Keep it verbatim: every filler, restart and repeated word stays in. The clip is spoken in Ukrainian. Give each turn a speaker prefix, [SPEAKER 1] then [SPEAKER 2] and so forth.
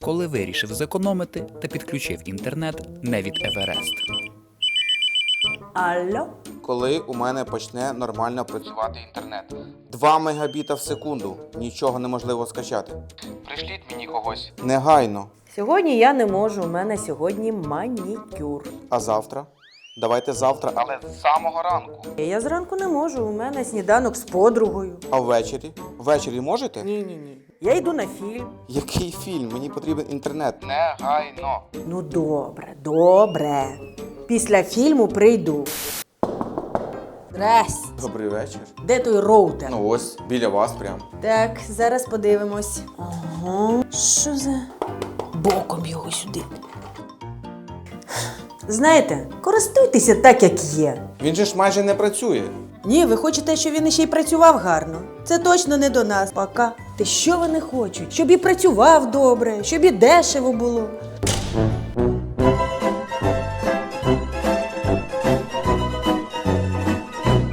[SPEAKER 1] коли вирішив зекономити та підключив інтернет не від Еверест.
[SPEAKER 2] Алло?
[SPEAKER 3] Коли у мене почне нормально працювати інтернет. два мегабіта в секунду. Нічого неможливо скачати. Пришліть мені когось. Негайно.
[SPEAKER 2] Сьогодні я не можу, у мене сьогодні манікюр.
[SPEAKER 3] А завтра? Давайте завтра, але з самого ранку.
[SPEAKER 2] Я зранку не можу, у мене сніданок з подругою.
[SPEAKER 3] А ввечері? Ввечері можете?
[SPEAKER 2] Ні-ні-ні. Я йду на фільм.
[SPEAKER 3] Який фільм? Мені потрібен інтернет. Негайно.
[SPEAKER 2] Ну добре, добре. Після фільму прийду. Здрасте.
[SPEAKER 3] Добрий вечір.
[SPEAKER 2] Де той роутер?
[SPEAKER 3] Ну ось, біля вас прям.
[SPEAKER 2] Так, зараз подивимось. Ага. Що за... Боком його сюди. Знаєте, користуйтеся так, як є.
[SPEAKER 3] Він же ж майже не працює.
[SPEAKER 2] Ні, ви хочете, щоб він іще й працював гарно. Це точно не до нас. Пока. Ти що вони хочуть? Щоб і працював добре, щоб і дешево було.